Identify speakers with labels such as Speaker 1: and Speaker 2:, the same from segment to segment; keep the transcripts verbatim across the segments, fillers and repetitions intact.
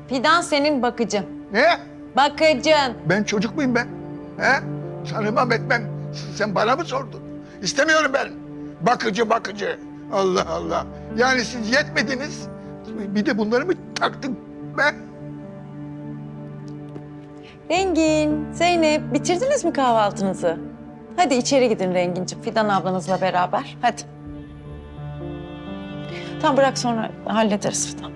Speaker 1: Fidan senin bakıcın.
Speaker 2: Ne?
Speaker 1: Bakıcın.
Speaker 2: Ben çocuk muyum ben? He? Tanımam etmem. Sen bana mı sordun? İstemiyorum ben. Bakıcı bakıcı. Allah Allah. Yani siz yetmediniz. Bir de bunları mı taktın be?
Speaker 1: Rengin, Zeynep bitirdiniz mi kahvaltınızı? Hadi içeri gidin Renginciğim, Fidan ablanızla beraber. Hadi. Tamam bırak sonra hallederiz Fidan.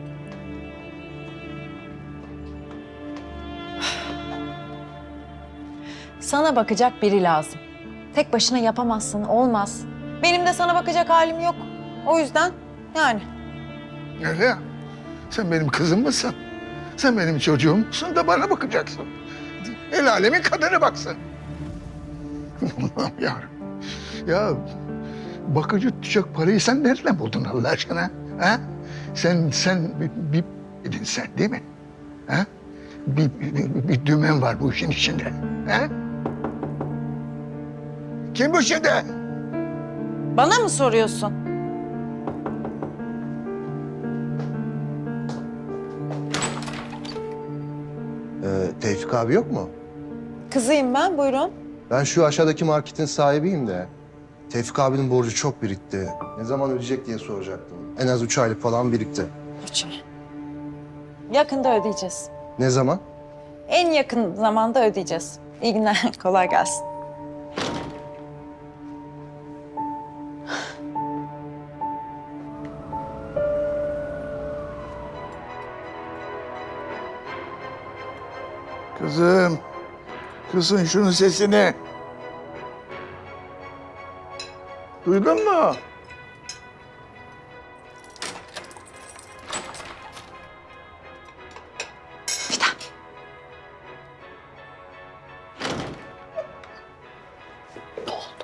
Speaker 1: Sana bakacak biri lazım. Tek başına yapamazsın, olmaz. Benim de sana bakacak halim yok. O yüzden yani.
Speaker 2: Öyle ya. Sen benim kızım mısın? Sen benim çocuğumsun da bana bakacaksın. El alemin kadını baksın. Allah'ım yarabbim. Ya bakıcı tutacak parayı sen nereden buldun Allah aşkına? Ha? Sen, sen bir, bir dedin sen değil mi? Ha? Bir, bir, bir dümen var bu işin içinde. Ha? Kim bu şimdi?
Speaker 1: Bana mı soruyorsun?
Speaker 3: Ee, Tevfik abi yok mu?
Speaker 1: Kızıyım ben, buyurun.
Speaker 3: Ben şu aşağıdaki marketin sahibiyim de. Tevfik abinin borcu çok birikti. Ne zaman ödeyecek diye soracaktım. En az üç aylık falan birikti.
Speaker 1: Üç ay. Yakında ödeyeceğiz.
Speaker 3: Ne zaman?
Speaker 1: En yakın zamanda ödeyeceğiz. İyi günler, kolay gelsin.
Speaker 2: Kızım. Kızın şunun sesini. Duydun mu?
Speaker 1: Fidan. Ne oldu?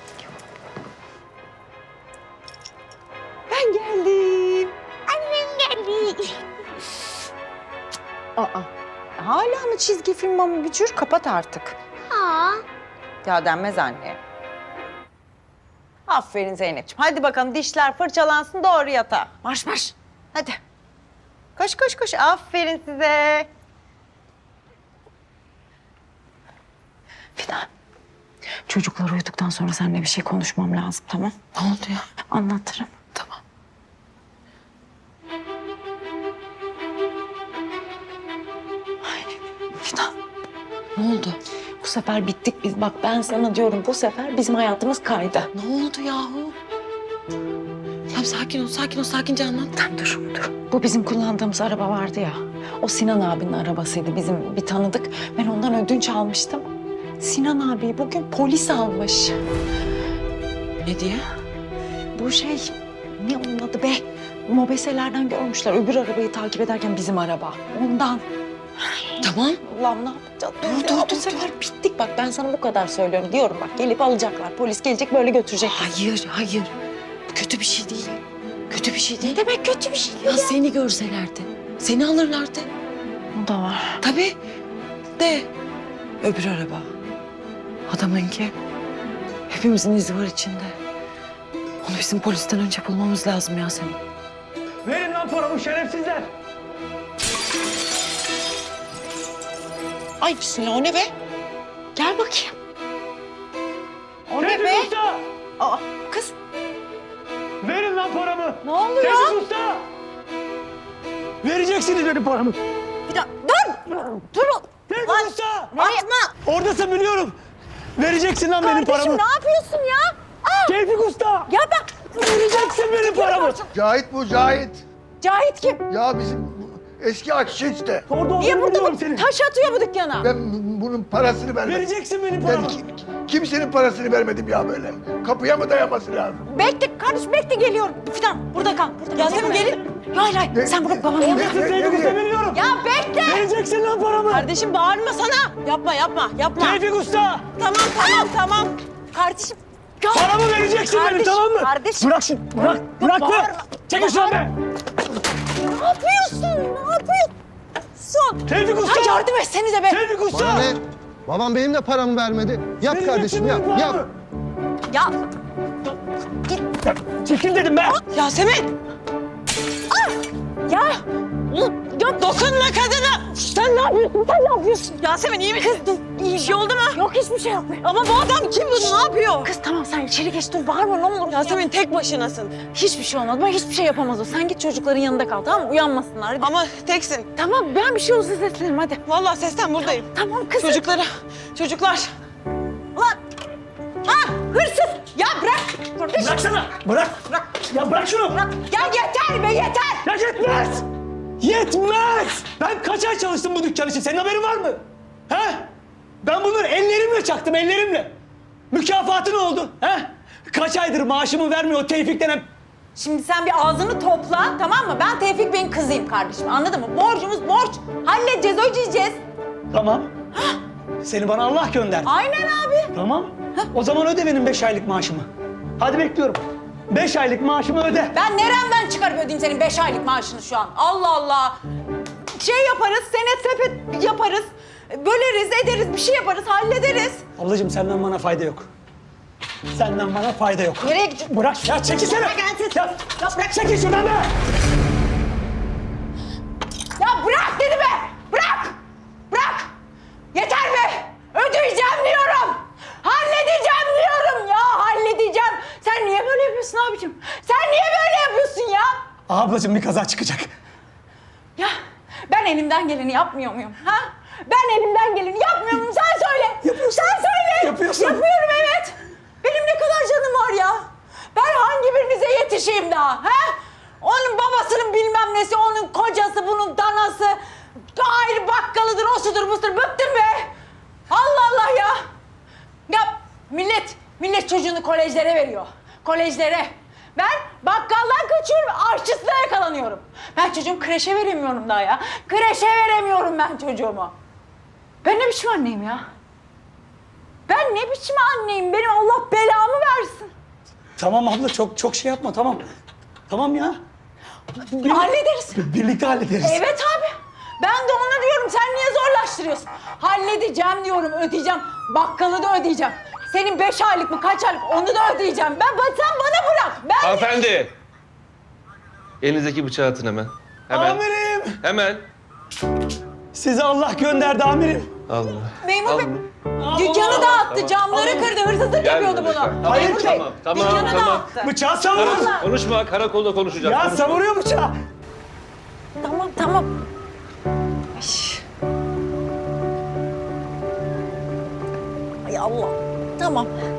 Speaker 1: Ben geldim. Annem geldi. Aa, hala mı çizgi film mama bücür? Kapat artık.
Speaker 4: Aa,
Speaker 1: Ya denmez anne. Aferin Zeynep'ciğim. Hadi bakalım dişler fırçalansın doğru yatağa. Marş marş. Hadi. Koş koş koş. Aferin size. Fidan. Çocuklar uyuduktan sonra seninle bir şey konuşmam lazım, tamam? Ne oldu ya? Anlatırım. Tamam. Ay, Fidan. Ne oldu? Bu sefer bittik biz. Bak ben sana diyorum bu sefer bizim hayatımız kaydı.
Speaker 5: Ne oldu yahu? Tamam sakin ol, sakin ol, sakince anlat.
Speaker 1: Tamam dur, dur. Bu bizim kullandığımız araba vardı ya. O Sinan abinin arabasıydı. Bizim bir tanıdık. Ben ondan ödünç almıştım. Sinan abi bugün polis almış.
Speaker 5: Ne diye?
Speaker 1: Bu şey, ne onun adı be? Mobeselerden görmüşler. Öbür arabayı takip ederken bizim araba. Ondan.
Speaker 5: Tamam.
Speaker 1: Allah'ım ne yapacağız?
Speaker 5: Dur,
Speaker 1: Ya,
Speaker 5: dur,
Speaker 1: bu
Speaker 5: dur,
Speaker 1: sefer bittik. Bak ben sana bu kadar söylüyorum. Diyorum bak gelip alacaklar. Polis gelecek böyle götürecek.
Speaker 5: Hayır, hayır. Bu kötü bir şey değil. Kötü bir şey değil.
Speaker 1: Demek kötü bir şey
Speaker 5: Ya seni görselerdi, seni alırlardı.
Speaker 1: O da var.
Speaker 5: Tabii. De. Öbür araba. Adamınki. Hepimizin izi var içinde. Onu bizim polisten önce bulmamız lazım Yasemin.
Speaker 6: Verin lan paramı şerefsizler.
Speaker 1: Ay bismillah o ne be? Gel bakayım. O ne
Speaker 6: Tevfik
Speaker 1: be?
Speaker 6: Usta!
Speaker 1: Aa, kız
Speaker 6: Verin lan paramı.
Speaker 1: ne oluyor?
Speaker 6: Tevfik Usta! Vereceksiniz benim paramı.
Speaker 1: Bir dakika, dur! Dur!
Speaker 6: Tevfik
Speaker 1: Lan,
Speaker 6: Usta!
Speaker 1: nereye? Atma!
Speaker 6: Oradasın biliyorum. Vereceksin lan benim
Speaker 1: Kardeşim
Speaker 6: paramı.
Speaker 1: ne yapıyorsun ya? Aa,
Speaker 6: Tevfik Usta!
Speaker 1: ya bak!
Speaker 6: Vereceksin benim paramı.
Speaker 2: Cahit bu Cahit.
Speaker 1: Cahit kim?
Speaker 2: Ya bizim bu eski aşçı işte.
Speaker 6: Orada
Speaker 1: Niye
Speaker 6: olduğunu
Speaker 1: burada
Speaker 6: biliyorum
Speaker 1: bu
Speaker 6: senin.
Speaker 1: taş atıyor bu dükkana?
Speaker 2: Ben bunun parasını vermedim.
Speaker 6: Vereceksin benim
Speaker 2: Yani
Speaker 6: paramı.
Speaker 2: ki- kimsenin parasını vermedim ya böyle. Kapıya mı dayaması lazım?
Speaker 1: Bekle kardeşim bekle geliyorum. Fidan burada kal. Burada kal.
Speaker 5: Yasemin gelin.
Speaker 1: Hayır hayır
Speaker 2: Ne-
Speaker 1: sen burada babanın yanına.
Speaker 6: Oradasın
Speaker 2: Ne-
Speaker 6: Tevfik
Speaker 2: ne-
Speaker 6: Usta
Speaker 2: ne-
Speaker 6: biliyorum.
Speaker 1: Ya bekle!
Speaker 6: Vereceksin lan paramı.
Speaker 5: Kardeşim bağırma sana. Yapma, yapma, yapma.
Speaker 6: Tevfik Usta!
Speaker 5: Tamam, tamam, tamam.
Speaker 1: Kardeşim. Ya,
Speaker 6: Paramı vereceksin benim
Speaker 1: Kardeşim,
Speaker 6: tamam mı?
Speaker 1: kardeşim.
Speaker 6: Bırak şunu. Bırak. Bırak
Speaker 1: bağırma.
Speaker 6: be. Çekil şuradan be.
Speaker 1: ne yapıyorsun? Ne yapıyorsun?
Speaker 6: Tevfik Usta!
Speaker 1: Ha, yardım etsenize be.
Speaker 6: Tevfik Usta!
Speaker 3: Bana ne? Babam benim de paramı vermedi. Yap
Speaker 6: Vereceksin
Speaker 3: kardeşim
Speaker 6: benim
Speaker 3: yap.
Speaker 6: paramı.
Speaker 3: Yap.
Speaker 1: Ya
Speaker 6: Çekil dedim be.
Speaker 5: Yasemin.
Speaker 1: ya
Speaker 5: Dokunma kadına.
Speaker 1: yapıyorsun? Sen ne yapıyorsun?
Speaker 5: Yasemin iyi misin?
Speaker 1: Kız dur.
Speaker 5: İyi bir şey oldu mu?
Speaker 1: Yok hiçbir şey yapmıyor.
Speaker 5: Ama bu adam kim bu? Ne yapıyor?
Speaker 1: Kız tamam sen içeri geç dur bağırma ne olur.
Speaker 5: Yasemin tek başınasın.
Speaker 1: Hiçbir şey olmaz. Ben hiçbir şey yapamaz o. Sen git çocukların yanında kal tamam mı? Uyanmasınlar. Hadi.
Speaker 5: Ama teksin.
Speaker 1: Tamam ben bir şey olursa seslenirim hadi.
Speaker 5: Vallahi sesten buradayım.
Speaker 1: Tamam kızım.
Speaker 5: Çocuklara, çocuklar. Ulan! Ha hırsız! Ya bırak!
Speaker 6: Bıraksana. Bırak. Bırak. Ya bırak şunu. Bırak.
Speaker 5: Ya yeter be yeter!
Speaker 6: Ya yetmez. Yetmez. Ben kaç ay çalıştım bu dükkan için. Senin haberin var mı? He? Ben bunları ellerimle çaktım, ellerimle. Mükafatı ne oldu? He? Kaç aydır maaşımı vermiyor o Tevfik denen...
Speaker 5: Şimdi sen bir ağzını topla tamam mı? Ben Tevfik Bey'in kızıyım kardeşim anladın mı? Borcumuz borç. Halledeceğiz, ödeyeceğiz.
Speaker 6: Tamam. Seni bana Allah gönderdi.
Speaker 5: Aynen abi.
Speaker 6: Tamam. O zaman öde benim beş aylık maaşımı. Hadi bekliyorum. Beş aylık maaşımı öde.
Speaker 5: Ben neremden çıkarıp ödeyeyim senin beş aylık maaşını şu an? Allah Allah. Şey yaparız, senet sepet yaparız. Böleriz, ederiz, bir şey yaparız, hallederiz.
Speaker 6: Ablacığım senden bana fayda yok. Senden bana fayda yok.
Speaker 5: Nereye gidiyorsun?
Speaker 6: Bırak ya çekilsene.
Speaker 5: Bırak gelsin.
Speaker 6: Ya, ya bırak çekil şuradan be.
Speaker 5: Ya bırak dedi be! Bırak! Bırak! Yeter be! Ödeyeceğim diyorum! Halledeceğim diyorum ya! Halledeceğim! Sen niye böyle yapıyorsun abicim? Sen niye böyle yapıyorsun ya?
Speaker 6: Ablacığım bir kaza çıkacak.
Speaker 5: Ya ben elimden geleni yapmıyor muyum? Ha? Ben elimden geleni yapmıyor muyum? Sen söyle!
Speaker 6: Yapıyorsun.
Speaker 5: Sen söyle!
Speaker 6: Yapıyorsun.
Speaker 5: Yapıyorum evet! Benim ne kadar canım var ya! Ben hangi birinize yetişeyim daha? Ha? Onun babasının bilmem nesi, onun kocası, bunun danası, ayrı bakkalıdır, o sudur, busudur. Bıktım be! Allah Allah ya! Ya millet, millet çocuğunu kolejlere veriyor. Kolejlere. Ben bakkaldan kaçıyorum, aşçısına yakalanıyorum. Ben çocuğumu kreşe veremiyorum daha ya. Kreşe veremiyorum ben çocuğumu. Ben ne biçim anneyim ya? Ben ne biçim anneyim? Benim Allah belamı versin.
Speaker 6: Tamam abla çok çok şey yapma tamam. Tamam ya. Bir-
Speaker 5: Hallederiz.
Speaker 6: Birlikte hallederiz.
Speaker 5: Evet abi. Ben de onu diyorum. Sen niye zorlaştırıyorsun? Halledeceğim diyorum, ödeyeceğim. Bakkalı da ödeyeceğim. Senin beş aylık mı, kaç aylık onu da ödeyeceğim. Ben, sen bana bırak. Ben...
Speaker 4: Hanımefendi. Elinizdeki bıçağı atın hemen. Hemen.
Speaker 6: Amirim.
Speaker 4: Hemen.
Speaker 6: Sizi Allah gönderdi amirim.
Speaker 4: Allah.
Speaker 5: Memur Bey,
Speaker 6: Aa,
Speaker 5: dükkanı dağıttı, camları kırdı, hırsızlık
Speaker 4: Gel
Speaker 5: yapıyordu
Speaker 4: buraya.
Speaker 5: bunu.
Speaker 4: Tamam,
Speaker 6: Hayır,
Speaker 5: Memur Bey,
Speaker 4: tamam, tamam,
Speaker 5: dükkanı
Speaker 4: tamam.
Speaker 5: dağıttı.
Speaker 6: Bıçağı savuruyor.
Speaker 5: Vallahi.
Speaker 4: Konuşma, karakolda konuşacağız.
Speaker 6: Ya
Speaker 4: konuşma.
Speaker 6: savuruyor bıçağı.
Speaker 1: Tamam tamam.
Speaker 5: Ay Allah. Tamam.